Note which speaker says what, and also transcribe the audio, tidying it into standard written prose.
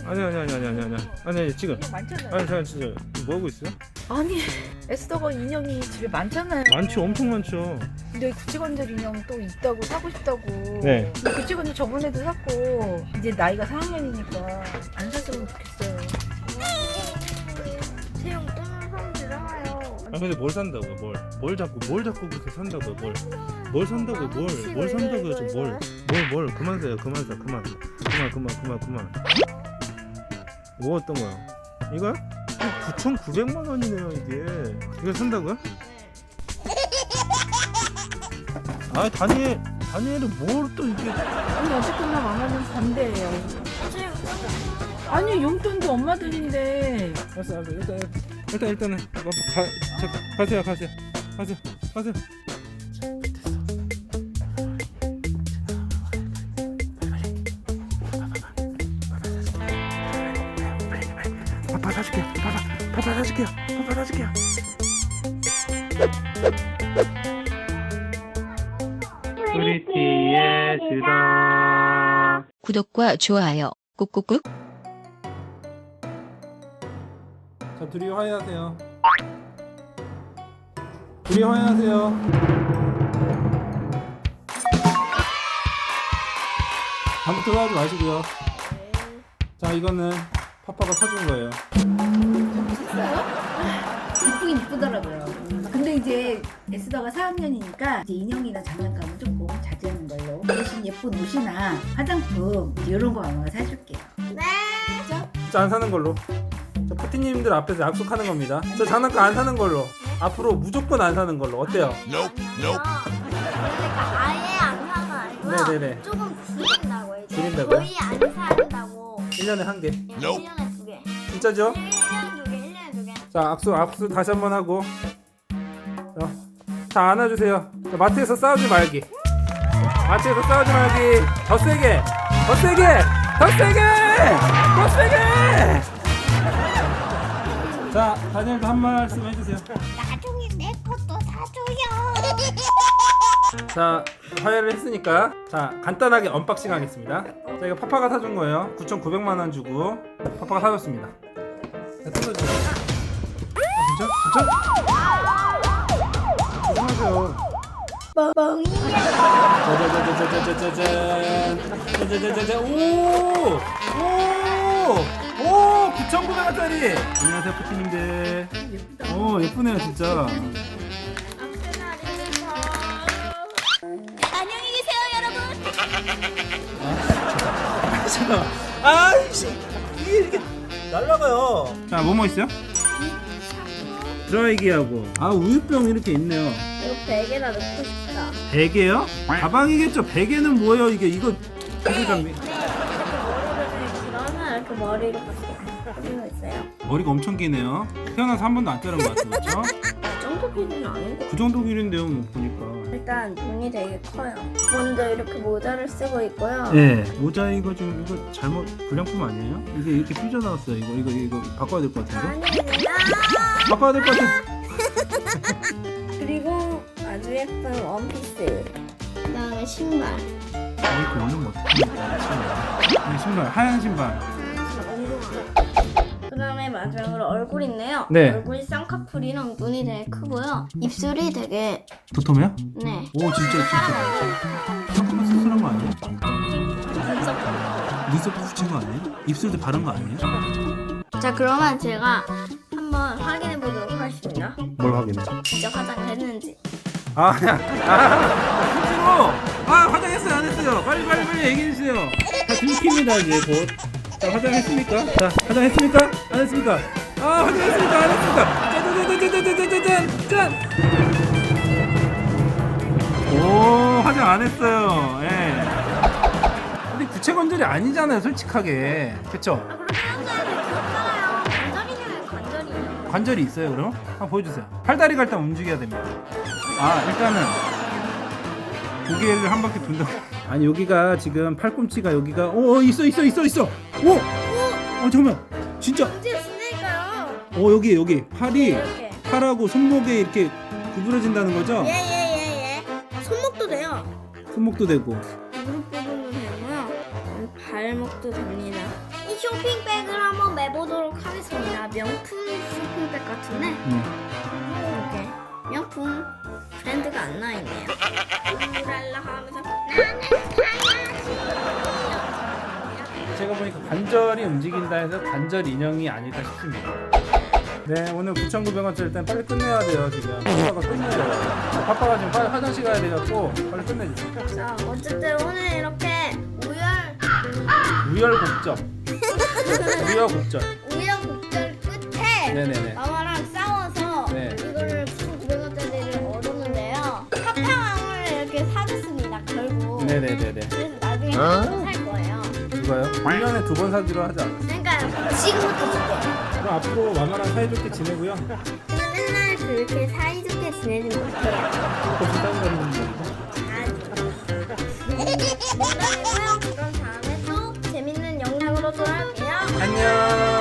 Speaker 1: 아니 지금.
Speaker 2: 많잖아요.
Speaker 1: 아니 잠깐 진짜 뭐 하고 있어요?
Speaker 2: 아니 에스더가 인형이 집에 많잖아요.
Speaker 1: 많죠, 엄청 많죠.
Speaker 2: 근데 구치건절 인형 또 있다고 사고 싶다고.
Speaker 1: 네.
Speaker 2: 근데 구치건절 저번에도 샀고 이제 나이가 4학년이니까 안 샀으면 좋겠어요.
Speaker 3: 채용 뜨는 사람들 나와요.
Speaker 1: 아 근데 뭘 산다고요? 뭘 자꾸 그렇게 산다고요? 뭘 산다고요? 뭘 산다고요? 지금 뭘 그만 사요. 그만. 뭐 어떤 거요? 이거요? 9,900만 원이네요 이게. 이거 산다고요? 아 다니엘은 뭘 또 이게.
Speaker 2: 아니 어쨌거나 마마는 반대예요.
Speaker 3: 채용
Speaker 2: 아니 용돈도 엄마들인데.
Speaker 1: 알았어. 일단은 가세요. 파파 사줄게요. 프리티의 수다.
Speaker 4: 구독과 좋아요 꾹꾹꾹.
Speaker 1: 자, 둘이 화해하세요. 둘이 화해하세요. 다음부터 하지 마시고요. 자, 이거는 파파가 사준 거예요.
Speaker 2: 이쁘긴 이쁘더라고요. 근데 이제 에스더가 4학년이니까 이제 인형이나 장난감은 조금 자제하는 걸로. 대신 예쁜 옷이나 화장품 이런 거 아마 사줄게요.
Speaker 3: 네.
Speaker 2: 그죠?
Speaker 1: 진짜 안 사는 걸로. 저 푸티님들 앞에서 약속하는 겁니다. 저 장난감 안 사는 걸로. 앞으로 무조건 안 사는 걸로. 어때요?
Speaker 3: 그러니까 아예 안 사는 건 아니고요.
Speaker 1: 네네네.
Speaker 3: 조금 줄인다고 이제.
Speaker 1: 줄인다고요?
Speaker 3: 거의 안 산다고.
Speaker 1: 1년에 한 개.
Speaker 3: 1년에 2개.
Speaker 1: 진짜죠?
Speaker 3: 1년에 2개, 1년에 2개.
Speaker 1: 자, 악수 다시 한번 하고. 자, 안아주세요. 자, 마트에서 싸우지 말기. 더 세게. 자, 다니엘도 한 말씀 해주세요.
Speaker 3: 나중에 내 것도 사줘요.
Speaker 1: 자, 화해를 했으니까 자, 간단하게 언박싱 하겠습니다. 자, 이거 파파가 사준 거예요. 9,900만 원 주고 파파가 사줬습니다. 자, 뜯어주세요. 진짜? 죄송하세요.
Speaker 3: 멍이야.
Speaker 1: 짜자자자자자자잔. 오 9,900원짜리. 안녕하세요 푸티님들. 오 예쁘네요 진짜.
Speaker 3: 안녕히 계세요, 여러분.
Speaker 1: 잠깐만. 아이씨 이게 이렇게 날라가요. 자 뭐뭐 있어요? 드라이기하고 우유병 이렇게 있네요.
Speaker 3: 이거 베개나 넣고 싶다.
Speaker 1: 베개요? 가방이겠죠. 베개는 뭐예요 이게? 이거 장비.
Speaker 3: 이렇게 머리를 그리고 있어요.
Speaker 1: 머리가 엄청 기네요. 태어나서 한 번도 안 자른 것 같아요. 그렇죠?
Speaker 3: 이 정도 길이는 아니고.
Speaker 1: 그 정도 길인데요 뭐 보니까.
Speaker 3: 일단 눈이 되게 커요. 먼저 이렇게 모자를 쓰고 있고요.
Speaker 1: 네. 모자 이거 지금 이거 잘못 불량품 아니에요? 이게 이렇게 삐져나왔어요. 이거 바꿔야 될 것 같은데?
Speaker 3: 아닙니다.
Speaker 1: 바꿔야 될 것 같아.
Speaker 3: 그리고 아주 예쁜 원피스. 그다음에 신발.
Speaker 1: 이렇게 올리면 어떡합니까? 신발 하얀 신발.
Speaker 3: 그다음에 마지막으로 얼굴인데요.
Speaker 1: 네.
Speaker 3: 얼굴이 쌍꺼풀이랑 눈이 되게 크고요. 입술이 되게
Speaker 1: 도톰해요?
Speaker 3: 네.
Speaker 1: 오 진짜. 조금만 수술한 거 아니에요? 눈썹 붙인 거 아니에요? 입술도 바른 거 아니에요?
Speaker 3: 자, 그러면 제가 한번 확인해 보도록 하겠습니다.
Speaker 1: 뭘 확인해?
Speaker 3: 진짜 화장을 했는지.
Speaker 1: 실제로 화장했어요 안 했어요? 빨리 얘기해 주세요. 다 들킵니다 이제 곧. 자 화장했습니까? 자 화장했습니까? 안 했습니까? 화장했습니까? 안 했습니까? 짠! 오 화장 안 했어요. 예. 근데 구체 건절이 아니잖아요 솔직하게. 그쵸?
Speaker 3: 그럼 사람들한테 귀엽잖아요. 관절이냐면 관절이에요.
Speaker 1: 관절이 있어요 그럼? 한번 보여주세요. 팔다리가 일단 움직여야 됩니다. 일단은 고개를 한 바퀴 돈다고. 아니 여기가 지금 팔꿈치가 여기가 있어. 잠깐만 진짜.
Speaker 3: 언제 쓰니까요?
Speaker 1: 여기 팔이
Speaker 3: 이렇게.
Speaker 1: 팔하고 손목에 이렇게 구부러진다는 거죠?
Speaker 3: 예. 손목도 돼요.
Speaker 1: 손목도 되고.
Speaker 3: 무릎 부분도 되고요. 발목도 됩니다. 쇼핑백을 한번 매보도록 하겠습니다. 명품 쇼핑백 같은데 이렇게 명품 브랜드가 안 나있네요. 랄라 하면서 나는 사야지.
Speaker 1: 제가 보니까 관절이 움직인다 해서 관절 인형이 아닐까 싶습니다. 네, 오늘 9,900원짜리 일단 빨리 끝내야 돼요. 지금 파파가 끝내요. 파파가 지금 빨리 화장실 가야 돼갖고 빨리 끝내주세요.
Speaker 3: 자, 어쨌든 오늘 이렇게
Speaker 1: 우여곡절
Speaker 3: 우여곡절 끝에
Speaker 1: 네네네.
Speaker 3: 마마랑 싸워서
Speaker 1: 네.
Speaker 3: 이거를 9,900원짜리를 얻었는데요. 파파왕을 이렇게 사줬습니다. 결국.
Speaker 1: 네네네네.
Speaker 3: 그래서 나중에 또 살 거예요.
Speaker 1: 그거요? 1년에 2번 사기로 하지 않았어요?
Speaker 3: 그러니까 지금부터 줄게요.
Speaker 1: 그럼 앞으로 마마랑 사이좋게 지내고요.
Speaker 3: 근데 맨날 그렇게 사이좋게 지내지 못해요.
Speaker 1: 또 부담되는 분들이고.
Speaker 3: 농담이고요. 그럼 다음에 또 재밌는 영상으로 돌아올게요.
Speaker 1: 안녕.